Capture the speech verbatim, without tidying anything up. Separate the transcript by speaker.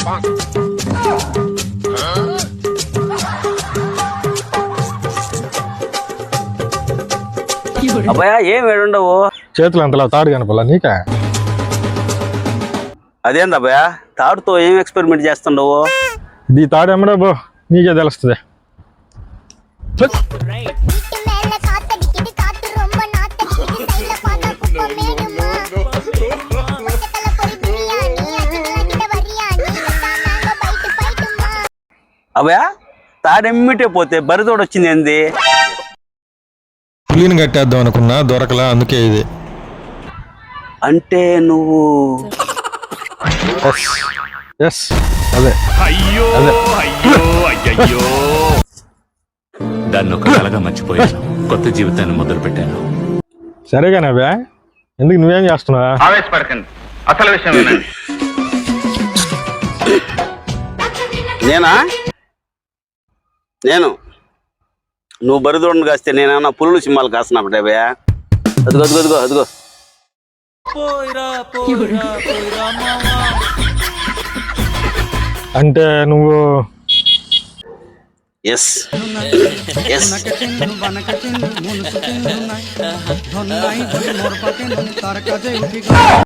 Speaker 1: అబ్బాయా ఏం వేడుండవు
Speaker 2: చేతులు అంతలా తాడు కనపలా నీకా?
Speaker 1: అదేంది అబ్బాయా తాడుతో ఏం ఎక్స్పెరిమెంట్ చేస్తుండవు?
Speaker 2: ఇది తాడు ఎమ్మడే బో, నీకే తెలుస్తుంది.
Speaker 1: అబ్బాయా తాడెమ్మిటే పోతే బరితోడు వచ్చింది ఏంది?
Speaker 2: పులిని కట్టేద్దాం అనుకున్నా దొరకలా, అందుకే ఇది.
Speaker 1: అంటే నువ్వు
Speaker 2: ఎస్ అదే.
Speaker 3: అయ్యో అయ్యో అయ్యయ్యో, దాన్ని ఒక కలగా మర్చిపోయాను, కొత్త జీవితాన్ని మొదలు పెట్టాను.
Speaker 2: సరేగానే అబ్బా, ఎందుకు నువ్వేం చేస్తున్నావా?
Speaker 4: ఆవేశపడకండి, అసలు విషయం వినండి.
Speaker 1: నేనా? నేను నువ్వు బరిదోడును కాస్తే నేనేమన్నా పులులు సింహాలు కాస్తున్నప్పుడే భయ. అదిగో అదిగో అదిగో అదిగో
Speaker 2: అంటే నువ్వు
Speaker 1: ఎస్ ఎస్